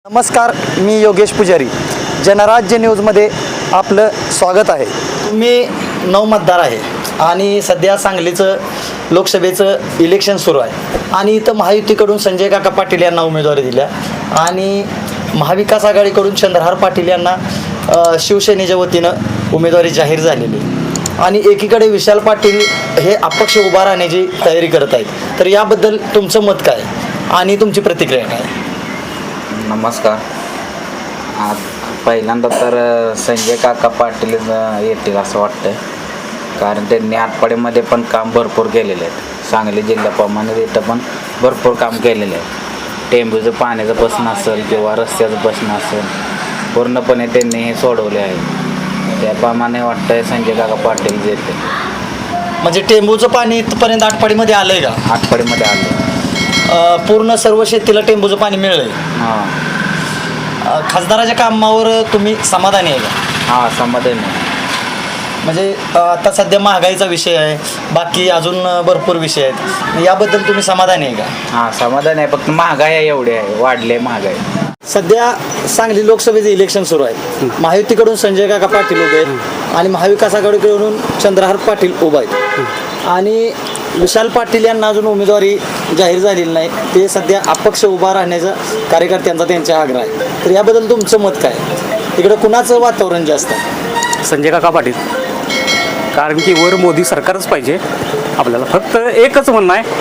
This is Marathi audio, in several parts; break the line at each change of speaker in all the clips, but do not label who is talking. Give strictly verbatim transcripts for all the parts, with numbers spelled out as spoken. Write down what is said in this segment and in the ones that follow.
नमस्कार, मी योगेश पुजारी. जनराज्य न्यूजमध्ये आपलं स्वागत आहे. मी नऊ मतदार आहे आणि सध्या सांगलीचं लोकसभेचं इलेक्शन सुरू आहे आणि इथं महायुतीकडून संजय काका पाटील यांना उमेदवारी दिल्या आणि महाविकास आघाडीकडून चंद्रहार पाटील यांना शिवसेनेच्या वतीनं उमेदवारी जाहीर झालेली आणि एकीकडे विशाल पाटील हे अपक्ष उभा राहण्याची तयारी करत आहेत. तर याबद्दल तुमचं मत काय आणि तुमची प्रतिक्रिया काय?
नमस्कार. आज पहिल्यांदा तर संजय काका पाटील येतील असं वाटतं, कारण त्यांनी आटपाडीमध्ये पण काम भरपूर केलेले आहेत. सांगली जिल्ह्याप्रमाणे तिथं पण भरपूर काम केलेलं आहे. टेंबूचं पाण्याचा प्रश्न असेल किंवा रस्त्याचा प्रश्न असेल, पूर्णपणे त्यांनी हे सोडवले आहे. त्याप्रमाणे वाटतंय संजय काका पाटील येते.
म्हणजे टेंबूचं पाणी इथपर्यंत आटपाडीमध्ये आलं आहे का?
आटपाडीमध्ये आले.
पूर्ण सर्व शेतीला टेंबूचं पाणी मिळलं आहे.
हां.
खासदाराच्या कामावर तुम्ही समाधानी आहे का?
हां, समाधान आहे.
म्हणजे आता सध्या महागाईचा विषय आहे, बाकी अजून भरपूर विषय आहेत, याबद्दल तुम्ही समाधानी आहे का?
हां, समाधान आहे. फक्त महागाई एवढी आहे, वाढले महागाई.
सध्या सांगली लोकसभेचं इलेक्शन सुरू आहे. महायुतीकडून संजय काका पाटील उभे आहेत आणि महाविकास आघाडीकडून चंद्रहार पाटील उभा आहेत आणि विशाल पाटील यांना अजून उमेदवारी जाहीर झालेली नाही. ते सध्या अपक्ष उभा राहण्याचा कार्यकर्त्यांचा त्यांचा आग्रह आहे. तर याबद्दल तुमचं मत काय? तिकडं कुणाचं वातावरण जास्त आहे?
संजय काका पाटील. कारण की वर मोदी सरकारच पाहिजे आपल्याला. फक्त एकच म्हणणं आहे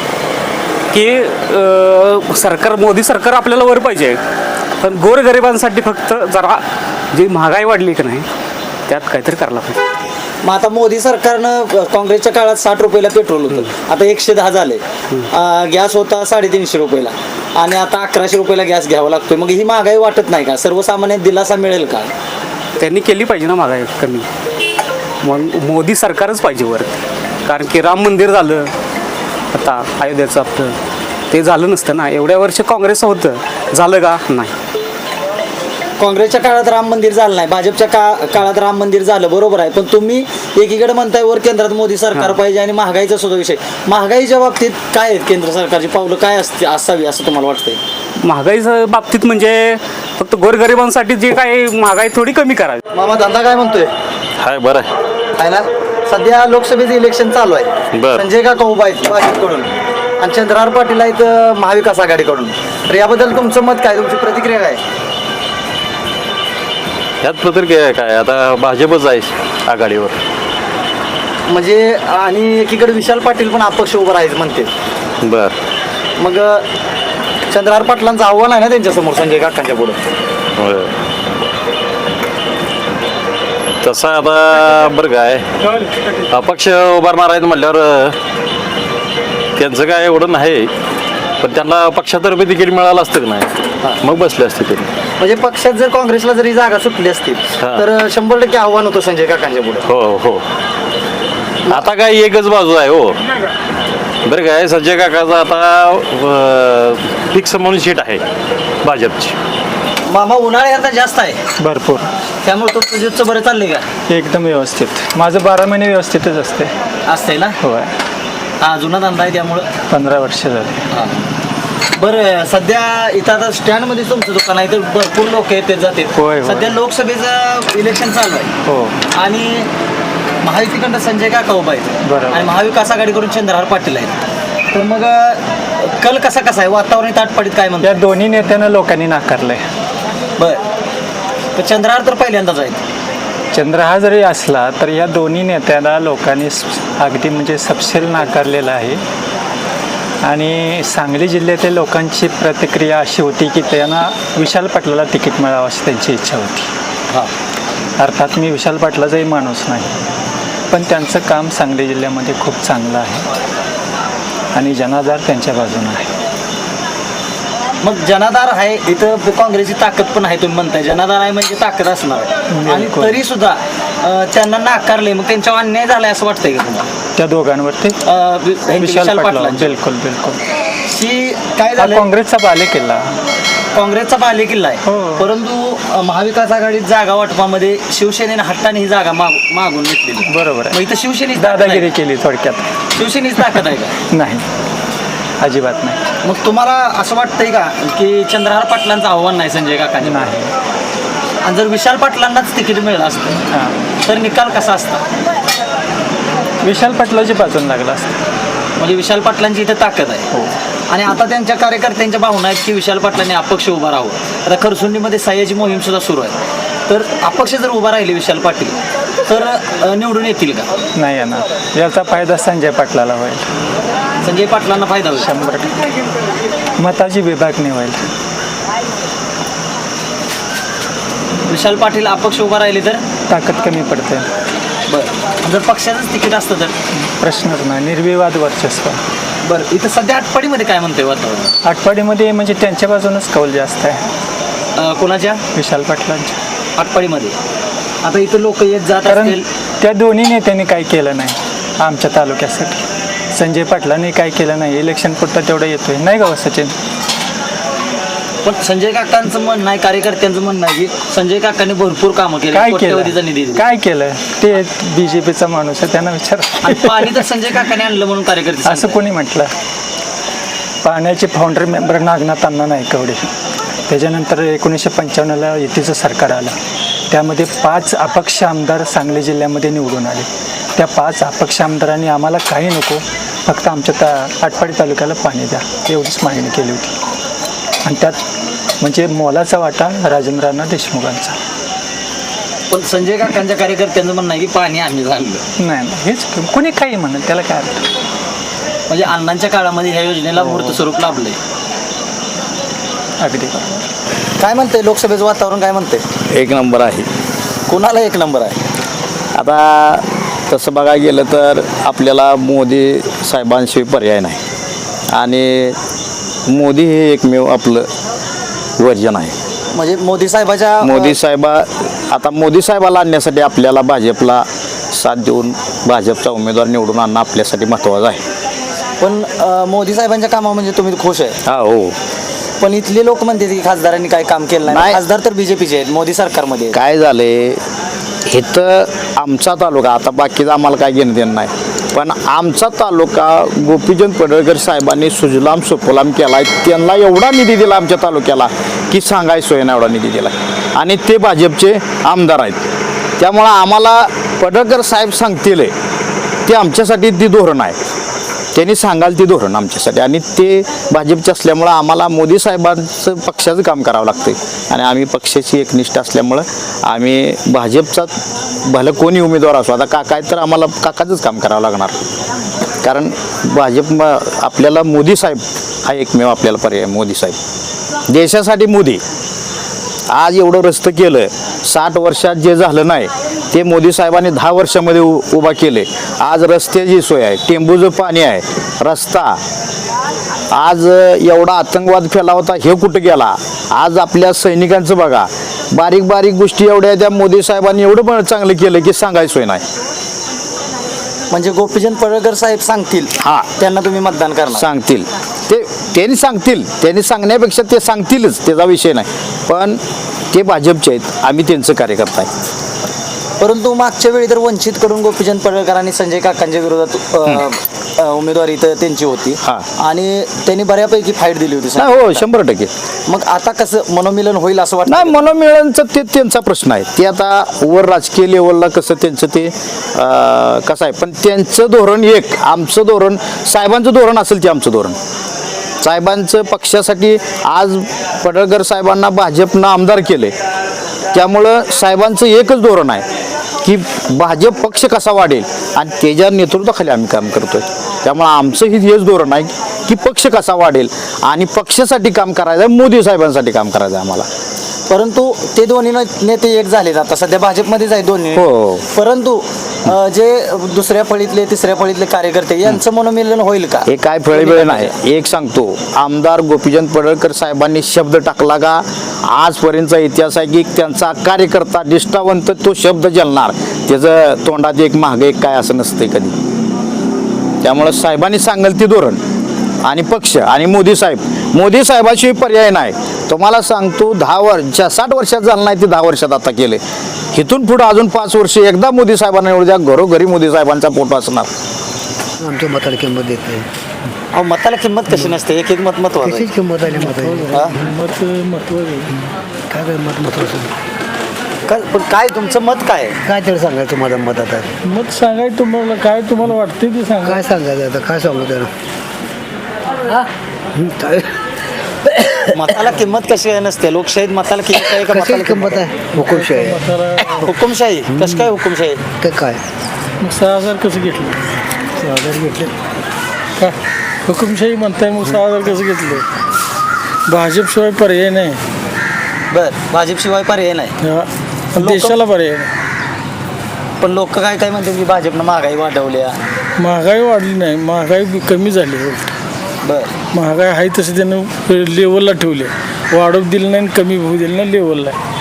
की सरकार मोदी सरकार आपल्याला वर पाहिजे, पण गोरगरिबांसाठी फक्त जरा जी महागाई वाढली की नाही त्यात काहीतरी करायला पाहिजे.
मग आता मोदी सरकारनं काँग्रेसच्या काळात साठ रुपयाला पेट्रोल होतं, आता एकशे दहा झाले. गॅस होता साडेतीनशे रुपयाला आणि आता अकराशे रुपयाला गॅस घ्यावा लागतोय. मग ही महागाई वाटत नाही का? सर्वसामान्य दिलासा मिळेल का?
त्यांनी केली पाहिजे ना महागाई कमी. मग मोदी सरकारच पाहिजे वर. कारण की राम मंदिर झालं आता अयोध्येचं, आपलं ते झालं नसतं ना. एवढ्या वर्ष काँग्रेस होतं, झालं का? नाही.
काँग्रेसच्या काळात राम मंदिर झालं नाही, भाजपच्या का काळात राम मंदिर झालं, बरोबर आहे. पण तुम्ही एकीकडे म्हणताय वर केंद्रात मोदी सरकार पाहिजे आणि महागाईचा सुद्धा विषय. महागाईच्या बाबतीत काय आहेत केंद्र सरकारची पावलं काय असते असावी असं तुम्हाला वाटतंय?
महागाईच्या बाबतीत म्हणजे फक्त गोरगरिबांसाठी जे काही महागाई थोडी कमी करावी.
मामा धंदा काय म्हणतोय?
हाय, बरं आहे.
आहे ना. सध्या लोकसभेचं इलेक्शन चालू आहे.
बरं.
संजय काका उभा आहेत भाजपकडून आणि चंद्रहार पाटील आहेत महाविकास आघाडीकडून. तर याबद्दल तुमचं मत काय, तुमची प्रतिक्रिया काय?
यात प्रतिक्रिया काय, आता भाजपच आहे आघाडीवर.
म्हणजे आणि एकीकडे विशाल पाटील पण अपक्ष उभं राहायचं म्हणते.
बर.
मग चंद्रहार पाटलांचं आव्हान आहे ना त्यांच्यासमोर संजय काकांच्या पुढे.
होय. तसं आता बरं काय, अपक्ष उभारणार आहेत म्हटल्यावर त्यांचं काय एवढं नाही, पण त्यांना पक्षातर्फे तिकीट मिळालं असतं की नाही, मग बसले असते ते.
म्हणजे पक्षात जर काँग्रेसला जरी जागा सुटली असती तर शंभर टक्के आव्हान होतं संजय काकांच्या पुढे.
हो हो. आता काय एकच बाजू आहे हो. बरं काय, संजय काकाचा आता फिक्स म्हणून सीट आहे भाजपची.
मामा उन्हाळा आता जास्त आहे
भरपूर,
त्यामुळे तो प्रोजेक्टचं बरं चाललंय का?
एकदम व्यवस्थित. माझं बारा महिने व्यवस्थितच असते.
असतंय ना.
होय,
हा जुना धंदा आहे त्यामुळं.
पंधरा वर्ष झाले.
बरं, सध्या इथं आता स्टँडमध्ये तुमचं दुकान आहे तर भरपूर लोक येते जाते.
होय, होय.
सध्या लोकसभेचं इलेक्शन चालू आहे
हो.
आणि महायुतीकडनं संजय काका उभा आहेत
बरोबर.
आणि महाविकास आघाडीकडून चंद्रहार पाटील आहेत. तर मग कल कसा कसा आहे, वातावरण ताटपाडीत काय
या
म्हणतात?
दोन्ही नेत्यांना लोकांनी नाकारलंय.
बर. तर चंद्रहार तर पहिल्यांदाच आहेत.
चंद्रहार जरी असला तर या दोन्ही नेत्यांना लोकांनी स- अगदी म्हणजे सपशेल नाकारलेलं आहे. आणि सांगली जिल्ह्यातील लोकांची प्रतिक्रिया अशी होती की त्यांना विशाल पाटलाला तिकीट मिळावं अशी त्यांची इच्छा होती.
हां.
अर्थात मी विशाल पाटलाचाही माणूस नाही, पण त्यांचं काम सांगली जिल्ह्यामध्ये खूप चांगलं आहे आणि जनाधार त्यांच्या बाजूने आहे.
मग जनाधार आहे इथं, काँग्रेसची ताकद पण आहे तुम्ही म्हणताय. जनाधार आहे म्हणजे ताकद असणार आहे आणि
बिलकुल.
तरी सुद्धा अं, त्यांना नाकारले. मग त्यांच्यावर अन्याय झालाय असं वाटतंय का तुम्हाला?
त्या दोघांवरती
अं, वि- हे
विशाल पाटला
पाटलांची.
बिलकुल बिलकुल.
ही काय
हा
झालं,
काँग्रेसचा बालेकिल्ला.
काँग्रेसचा बालेकिल्ला आहे.
हो.
परंतु अं, महाविकास आघाडीत जागा वाटपामध्ये शिवसेनेने हट्टाने ही जागा माग मागून घेतलेली.
बरोबर
मग
आहे.
इथं शिवसेनेची ताकद
दादागिरी
आहे का?
केली थोडक्यात.
शिवसेनेची ताकद आहे का?
नाही. अजिबात नाही.
मग तुम्हाला असं वाटतंय का की चंद्रहार पाटलांचं आव्हान नाही संजय काकांनी,
नाही.
आणि जर विशाल पाटलांनाच तिकीट मिळालं असतं
हां,
तर निकाल कसा असता?
विशाल पाटलाची बाजून लागला असतं.
म्हणजे विशाल पाटलांची इथे ताकद आहे.
हो.
आणि आता त्यांच्या कार्यकर्त्यांच्या भावना आहेत की विशाल पाटलांनी अपक्ष उभा राहावं. आता खरसुंडीमध्ये सह्याची मोहीम सुद्धा सुरू आहे. तर अपक्ष जर उभा राहिले विशाल पाटील तर अ, निवडून येतील का?
नाही येणार. याचा फायदा संजय पाटलाला होईल.
संजय पाटलांना फायदा होईल.
शंभर टक्के मताची विभागणी होईल.
विशाल पाटील अपक्ष उभा राहिले तर
ताकद कमी पडते.
बरं, जर पक्षाचंच तिकीट असतं तर?
प्रश्नच नाही. निर्विवाद वर्चस्व.
बरं, इथं सध्या आटपाडीमध्ये काय म्हणतंय वातावरण?
आटपाडीमध्ये म्हणजे त्यांच्या बाजूनच कौल जास्त आहे,
अ, कोणाच्या?
विशाल पाटलांच्या.
आटपाडीमध्ये आता इथं लोक येत जात
कारण
असतील.
त्या दोन्ही नेत्यांनी काय केलं नाही आमच्या तालुक्यासाठी. संजय पाटलांनी काय केलं नाही. इलेक्शन पुरता तेवढं येतोय नाही का हो सचिन?
पण संजय काकांचं म्हणणं आहे, कार्यकर्त्यांचं म्हणणं आहे की संजय काकांनी भरपूर कामं केली,
काय
कोट्यवधीचा निधी
केलं
दिला.
काय केलं ते बीजेपीचा माणूस आहे, त्यांना विचार.
आणि पाणी तर संजय काकांनी आणलं म्हणून कार्यकर्ते
असं
सांगतायत.
कोणी म्हटलं? पाण्याचे फाउंडर मेंबर नागनाथ अण्णा नायकवडे. त्याच्यानंतर एकोणीसशे पंच्याण्णवला युतीचं सरकार आलं. त्यामध्ये पाच अपक्ष आमदार सांगली जिल्ह्यामध्ये निवडून आले. त्या पाच अपक्ष आमदारांनी आम्हाला काही नको, फक्त आमच्या ता आटपाडी तालुक्याला पाणी द्या एवढीच मागणी केली होती. आणि त्यात म्हणजे मोलाचा वाटा राजेंद्रांना देशमुखांचा.
पण संजय काकांच्या कार्यकर्त्यांचं म्हणणं आहे की पाणी आम्ही झालं.
नाही नाही, हेच कोणी काही म्हणत त्याला काय अर्थ.
म्हणजे अण्णांच्या काळामध्ये ह्या योजनेला मूर्त स्वरूप लाभलंय.
अगदी
काय म्हणते लोकसभेचं वातावरण, काय म्हणते?
एक नंबर आहे.
कोणाला एक नंबर आहे?
आता तसं बघायला गेलं तर आपल्याला मोदी साहेबांशिवाय पर्याय नाही, आणि मोदी हे एकमेव आपलं वर्जन आहे.
म्हणजे मोदी साहेबाच्या
मोदी साहेबा आता मोदी साहेबाला आणण्यासाठी आपल्याला भाजपला साथ देऊन भाजपचा उमेदवार निवडून आणणं आपल्यासाठी महत्त्वाचं आहे.
पण अ, मोदी साहेबांच्या कामा म्हणजे तुम्ही खुश आहे.
हा हो.
पण इथले लोक म्हणतात की खासदारांनी काय काम केलं नाही.
नाही.
खासदार तर बीजेपीचे आहेत, मोदी सरकारमध्ये आहेत.
काय झाले इथं आमचा तालुका, आता बाकीचं आम्हाला काय घेणं देणं नाही, पण आमचा तालुका गोपीचंद पडळकर साहेबांनी सुजलाम सुफलाम केला आहे. त्यांना एवढा निधी दिला आमच्या तालुक्याला की सांगाय सोय ना एवढा निधी दिला, आणि ते भाजपचे आमदार आहेत. त्यामुळं आम्हाला पडळकर साहेब सांगतील ते आमच्यासाठी ती धोरण आहे. त्यांनी सांगाल ती धोरण आमच्यासाठी, आणि ते भाजपचे असल्यामुळं आम्हाला मोदी साहेबांचं पक्षाचं काम करावं लागतं, आणि आम्ही पक्षाची एकनिष्ठ असल्यामुळं आम्ही भाजपचा भलं कोणी उमेदवार असो, आता काका आहेत तर आम्हाला काकाचंच काम करावं लागणार, कारण भाजप म- आपल्याला मोदी साहेब हा एकमेव आपल्याला पर्याय. मोदी साहेब देशासाठी मोदी आज एवढं रस्तं केलं, साठ वर्षात जे झालं नाही ते मोदी साहेबांनी दहा वर्षामध्ये उ उभा केले. आज रस्त्याची सोय आहे, टेंबूचं पाणी आहे, रस्ता. आज एवढा आतंकवाद फैला होता, हे कुठं गेला? आज आपल्या सैनिकांचं बघा, बारीक बारीक गोष्टी एवढ्या त्या मोदी साहेबांनी एवढं पण चांगलं केलं की सांगायची सोय नाही.
म्हणजे गोपीचंद पडळकर साहेब सांगतील
हां,
त्यांना तुम्ही मतदान करणार.
सांगतील ते, त्यांनी सांगतील, त्यांनी सांगण्यापेक्षा ते सांगतीलच, त्याचा विषय नाही. पण ते भाजपचे आहेत, आम्ही त्यांचं कार्यकर्ता आहे.
परंतु मागच्या वेळी तर वंचितकडून गोपीचंद पडळकर आणि संजय काकांच्या विरोधात अ, अ, उमेदवारी तर त्यांची होती,
हां.
आणि त्यांनी बऱ्यापैकी फाईट दिली होती.
नाही हो, शंभर टक्के.
मग आता कसं मनोमिलन होईल असं वाटतं?
नाही, मनोमिळनचं ते त्यांचा प्रश्न आहे. ते आता वर राजकीय लेवलला कसं त्यांचं ते अं, कसं आहे, पण त्यांचं धोरण एक, आमचं धोरण, साहेबांचं धोरण असेल ते आमचं धोरण. साहेबांचं पक्षासाठी आज पडळकर साहेबांना भाजपनं आमदार केले, त्यामुळं साहेबांचं एकच धोरण आहे की भाजप पक्ष कसा वाढेल, आणि त्याच्या नेतृत्वाखाली आम्ही काम करतोय. त्यामुळं आमचं ही हेच धोरण आहे की पक्ष कसा वाढेल आणि पक्षासाठी काम करायचं आहे, मोदी साहेबांसाठी काम करायचं आहे आम्हाला.
परंतु ते दोन्ही न- नेते एक झालेत, आता सध्या भाजपमध्येच आहे दोन्ही.
हो.
परंतु अ, जे दुसऱ्या फळीतले तिसऱ्या फळीतले कार्यकर्ते यांचं मनोमिलन होईल का?
हे काय फळेवेळ नाही. एक सांगतो, आमदार गोपीचंद पडळकर साहेबांनी शब्द टाकला का, आजपर्यंतचा इतिहास आहे की त्यांचा कार्यकर्ता निष्ठावंत तो शब्द जलणार, त्याचं तोंडात एक मागं एक काय असं नसतंय कधी. त्यामुळं साहेबांनी सांगेल ते धोरण, आणि पक्ष आणि मोदी साहेब, मोदी साहेबाशिवाय पर्याय नाही. तुम्हाला सांगतो, दहा वर्ष साठ वर्षात झालं नाही ते दहा वर्षात आता केले. इथून पुढं अजून पाच वर्ष एकदा मोदी साहेबांना एवढ्या घरोघरी मोदी साहेबांचा फोटो असणार.
आमच्या मतदारसंघामध्ये येते
अहो मताला किंमत कशी नसते, एक एक मत महत्वाचं आहे.
किंमत आली मत
हा?
मत महत्वाचं काय काय मत महत्वाचं
काय पण काय तुमचं मत काय आहे?
काय तरी सांगायचं माझं मत आता
मत सांगाय तुम्हाला काय तुम्हाला वाटते ते सांगा.
काय सांगायचं आता काय सांगू त्याला
मताला किंमत कशी आहे नसते, लोकशाहीत मताला किंमत आहे का?
कशी
मताला
किंमत आहे हुकुमशाही आहे.
म्हातारा
हुकुमशाही कसं काय हुकुमशाही?
ते काय
मग सहा हजार कसं घेतलं?
सहा हजार घेतले
का हुकुमशाही म्हणताय मग सहा हजार कसं घेतलं? भाजपशिवाय पर्याय नाही.
बर भाजपशिवाय पर्याय नाही.
हा.
लोकं-
देशाला पर्याय नाही.
पण लोक काय काय म्हणते की भाजपनं महागाई वाढवल्या.
महागाई वाढली नाही, महागाई बी कमी झाली.
बर
महागाई आहे तसं त्यानं लेवलला ठेवले, वाढवू दिलं नाही आणि कमी होऊ दिलं नाही, लेवलला आहे.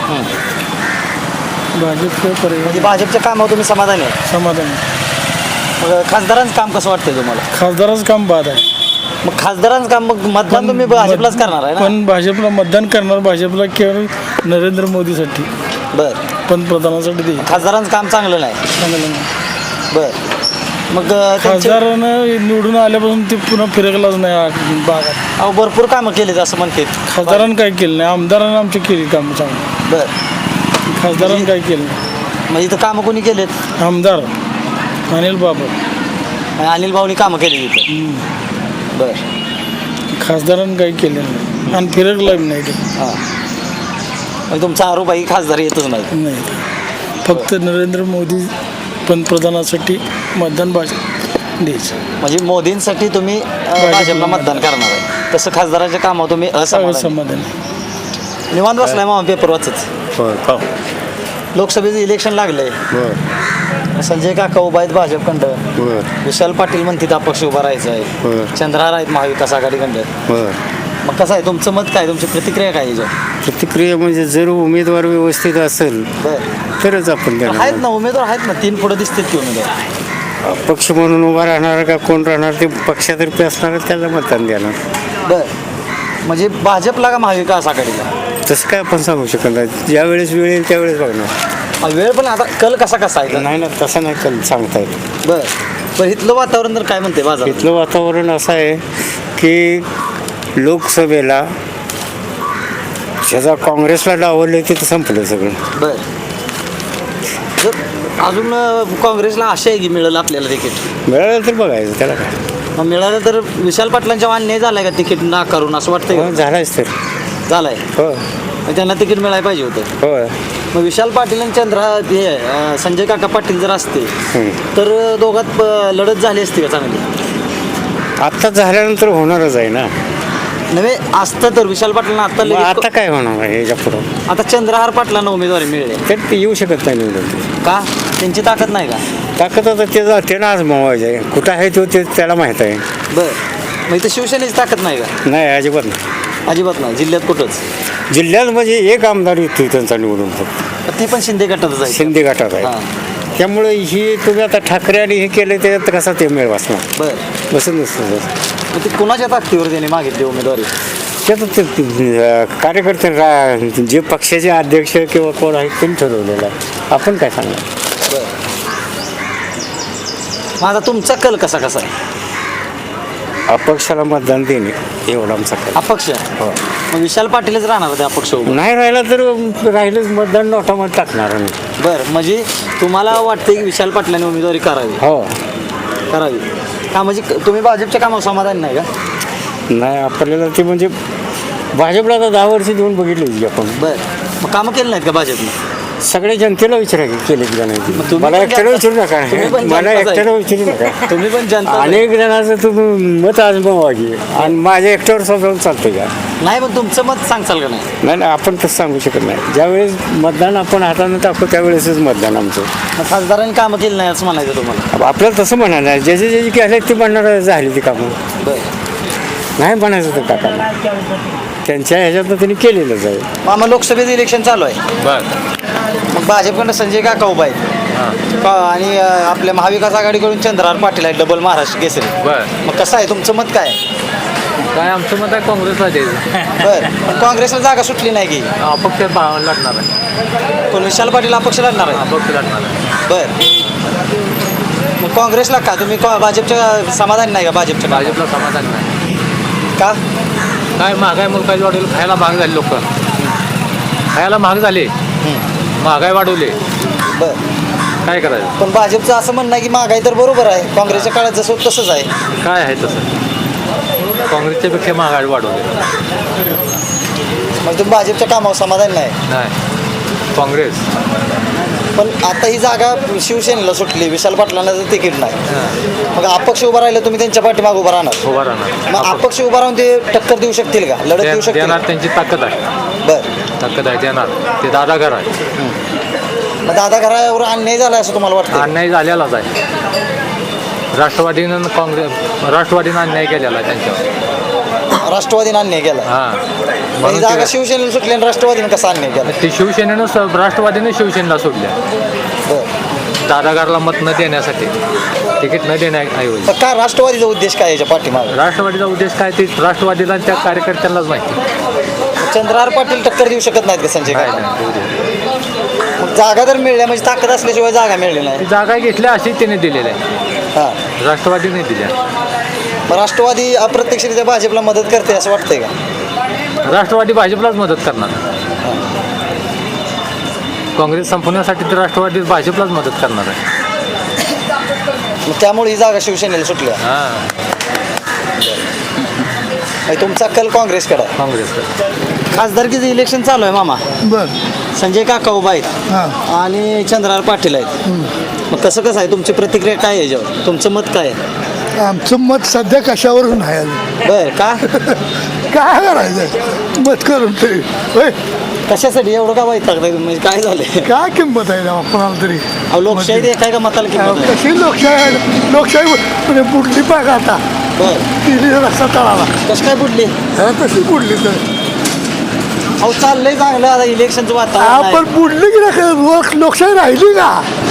भाजपशिवाय पर्याय
म्हणजे भाजपच्या कामावर तुम्ही समाधानी आहे.
समाधान आहे.
मग खासदारांचं काम कसं वाटतंय तुम्हाला?
खासदाराचं काम बाद आहे.
मग खासदारांचं काम मग मतदान तुम्ही भाजपलाच करणार आहे ना?
पण भाजपला मतदान करणार, भाजपला केवळ नरेंद्र मोदीसाठी,
बर
पंतप्रधानासाठी दे.
खासदारांचं काम चांगलं नाही.
चांगलं नाही.
बर मग अं, त्यांचे-
खासदारानं निवडून आल्यापासून ते पुन्हा फिरकलाच नाही आ- भागात.
अहो भरपूर कामं केलीत असं म्हणते.
खासदारानं काय केलं नाही, आमदारानं आमची केली कामं चांगली.
बर
खासदारानं काय केलं नाही.
मग इथं कामं कोणी केलेत?
आमदार अनिल बाबर,
अनिल भाऊनी कामं केली तिथं. बर
खासदारानं काही केलं नाही आणि फिरकला बी नाही ते.
हां मग तुमचा आरोप आहे की खासदार येतच नाही.
नाही फक्त नरेंद्र मोदी पंतप्रधानासाठी मतदान भाजप द्यायचं.
म्हणजे मोदींसाठी तुम्ही अं, भाजपला मतदान करणार आहे, तसं खासदाराच्या कामावर तुम्ही असमाधानी.
समाधान
निवांत बसलाय मामा पेपर वाचत. लोकसभेचं इलेक्शन लागलंय. संजय काका उभा आहेत भाजपकडं, विशाल पाटील म्हणतात अपक्ष उभा राहायचं आहे, चंद्रहार आहेत महाविकास आघाडीकडं. मग कसं आहे तुमचं मत काय, तुमची प्रतिक्रिया काय याच्यावर?
प्रतिक्रिया म्हणजे जर उमेदवार व्यवस्थित असेल
बरं
तरच आपण
आहेत
देणार.
ना उमेदवार, आहेत ना तीन पुढे दिसतात की उमेदवार.
पक्ष म्हणून उभा राहणार का कोण राहणार ते पक्षातर्फे असणार त्याला मतदान देणार.
बर म्हणजे भाजपला का महाविकास आघाडीला?
तसं काय आपण सांगू शकत नाही, ज्यावेळेस वेळ येईल त्यावेळेस बघणार.
हा, वेळ पण आता कल कसा कसा आहे?
नाही ना तसं नाही कल सांगता येत.
बर पण इथलं वातावरण तर काय म्हणते बाजार?
इथलं वातावरण असं आहे की लोकसभेला ज्याचा काँग्रेसला डावललं तिथं संपलं सगळं.
बर जर अजून अं, काँग्रेसला आशा आहे की मिळेल आपल्याला तिकीट.
मिळालं तर बघायचं त्याला काय.
मग मिळालं तर विशाल पाटलांच्या अन्याय झालाय का तिकीट नाकारून असं वाटतंय
हो,
का?
झालाच तर.
झालाय.
हो
मग त्यांना तिकीट मिळायला पाहिजे होतं.
हो
मग विशाल पाटील आणि चंद्रा हे अं, संजय काका पाटील जर असते
हम्म.
तर अं, दोघात अं, लढत झाली असती का चांगली?
आत्ता झाल्यानंतर होणारच आहे ना.
नव्हे असतं तर विशाल पाटलांना आता
मग
लगेच-
आता काय होणार आहे याच्या पुढं?
आता चंद्रहार पाटलांना उमेदवारी मिळेल
तर ते येऊ शकत नाही निवडून.
का? त्यांची ताकद नाही का?
ताकद आता त्याचा त्याला आजमावायचं आहे, कुठं आहे तो ते त्याला माहीत आहे.
बर मग इथं शिवसेनेची ताकद नाही का?
नाही अजिबात नाही.
अजिबात नाही जिल्ह्यात कुठंच.
जिल्ह्यात म्हणजे एक आमदार येतो त्यांचा निवडून फक्त
ती पण शिंदे गटातच आहे.
शिंदे गटात आहे.
हां
त्यामुळे ही तुम्ही आता ठाकरे आणि हे केलं त्याच्यात कसा ते मेळ वाचणार
बर
बसत नसतं.
मग ते कोणाच्या ताकदीवर त्यांनी मागितली उमेदवारी?
त्यात ते अं, कार्यकर्ते रा- जे पक्षाचे अध्यक्ष किंवा कोण आहेत त्यांनी ठरवलेलं आहे, आपण काय सांगणार.
बर माझा तुमचा कल कसा कसा आहे?
अपक्षाला मतदान देणे एवढा आमचा काय.
अपक्ष. मग विशाल पाटीलच राहणार होते अपक्ष उभं.
नाही राहिला तर राहिलंच मतदान नोटामध्ये टाकणार आम्ही.
बर म्हणजे तुम्हाला वाटते की विशाल पाटलांनी उमेदवारी करावी?
हो
करावी का? म्हणजे तुम्ही भाजपच्या कामावर समाधान नाही का?
नाही आपल्याला ते म्हणजे भाजपला आता दहा वर्ष देऊन बघितली आपण.
बर मग कामं केली नाहीत का भाजपने?
सगळ्या जनतेला विचारा की केले की
मग
नाही.
तुम्ही
मला
पण
एकट्याला
जनता-
विचारू नका,
तुम्ही पण
मला
जनताच आहे.
एकट्याला विचारू नका.
तुम्ही पण जनता आहे.
अनेक जणांचं तुम्ही मत आजमावा की आणि माझ्या एकट्यावर स्वतःहून चालतं का?
नाही पण तुमचं मत सांगचाल का नाही?
नाही नाही आपण तसं सांगू शकत नाही. ज्यावेळेस मतदान आपण हातानं टाकतो त्यावेळेसच मतदान आमचं.
मग खासदारांनी कामं केली नाही असं म्हणायचं तुम्हाला?
आपल्याला तसं म्हणायला नाही, ज्याचे ज्याचे केले ते म्हणणार झाली ती कामं.
बर
नाही म्हणायचं तर काका त्यांच्या ह्याच्यातनं त्यांनी केलेलंच आहे.
मामा लोकसभेचं इलेक्शन चालू आहे. मग भाजपकडनं संजय काका उभा आहेत का- आणि अं, आपल्या महाविकास आघाडीकडून चंद्रहार पाटील आहेत डबल महाराष्ट्र केसरी. मग कसं आहे तुमचं मत काय?
काय आमचं मत आहे काँग्रेसला द्यायचं.
बर पण काँग्रेसला जागा सुटली नाही की?
अपक्ष लढणार आहे.
पण विशाल पाटील अपक्ष लढणार आहे.
अपक्ष लढणार आहे.
बर मग काँग्रेसला का तुम्ही का- भाजपच्या समाधान नाही का भाजपच्या
भाजपला समाधान नाही
का
काय महागाई मुलकाची वाढवली खायला महाग झाले लोक खायला महाग झाले महागाई वाढवले
बर
काय करायचं
पण भाजपचं असं म्हणणं आहे की महागाई तर बरोबर आहे काँग्रेसच्या काळात जसं होतं तसंच आहे
काय आहे तसं काँग्रेसच्या पेक्षा महागाई वाढवली
मग तुम्ही भाजपच्या कामावर समाधान नाही
नाही काँग्रेस
पण आता ही जागा शिवसेनेला सुटली विशाल पाटलांना जर तिकीट नाही मग अपक्ष उभा राहिलं तुम्ही त्यांच्या पाठीमागे उभा राहणार
उभा राहणार
मग अपक्ष उभा राहून ते टक्कर देऊ शकतील का लढत देऊ
दे-
शकतील
देणार त्यांची ताकद आहे
बर
ताकद आहे देणार ते दादा घर आहे
मग दादा घरावर अन्याय झाला असं तुम्हाला वाटतं
अन्याय झालेलाच आहे राष्ट्रवादीनं काँग्रेस राष्ट्रवादीनं अन्याय केलेला आहे त्यांच्यावर
राष्ट्रवादीने अन्याय केला
हां
मग ही
म्हणून
जागा
ते-
शिवसेनेला सुटली आणि राष्ट्रवादीने कसा अन्याय केला
ते शिवसेनेनं स- राष्ट्रवादीनं शिवसेनेला सोडल्या
बर
दादागारला मत न देण्यासाठी तिकीट न देण्याऐवजी
तर का राष्ट्रवादीचा उद्देश काय याच्या पाठीमागे
राष्ट्रवादीचा उद्देश काय ते राष्ट्रवादीला आणि त्या कार्यकर्त्यांनाच माहिती
चंद्रहार पाटील टक्कर देऊ शकत नाहीत का संजय
काय
काका
नाही, उद्देश.
मग जागा तर मिळल्या म्हणजे ताकद असल्याशिवाय जागा मिळली नाही
ती जागा घेतल्या अशी त्याने दिलेल्या आहे
हां
राष्ट्रवादीने दिल्या
मग राष्ट्रवादी अप्रत्यक्षरित्या भाजपला मदत करते असं वाटतंय का
राष्ट्रवादी भाजपलाच मदत करणार काँग्रेस संपवण्यासाठी तर राष्ट्रवादी भाजपलाच मदत करणार आहे
मग त्यामुळे ही जागा शिवसेनेला सुटल्या
हां
म्हणजे तुमचा कल काँग्रेसकडे आहे
काँग्रेसकडे
खासदारकीचं इलेक्शन चालू आहे मामा
बर
संजय काका उभा आहेत
हां
आणि चंद्रहार पाटील आहेत मग कसं कसं आहे तुमची प्रतिक्रिया काय आहे याच्यावर तुमचं मत काय आहे
आमचं मत सध्या कशावरून नाही आलं
बर का
काय करायचं मत करून तरी होय
कशासाठी एवढं का वाईट लागतं म्हणजे काय झालंय
काय किंमत आहे ना कोणाला तरी
अहो लोकशाही देखाय का मताला किंमत आहे?
कशी लोकशाही आहे लोकशाही म्हणजे बुडली पाहिजे आता
बर
तिने रस्ता तळाला
कसं काय बुडली
हा, तशी बुडली तर
अहो चाललंय चांगलं आता इलेक्शनचं वातावरण
आपण
आहे.
बुडली की नाही लोक लोकशाही राहिली का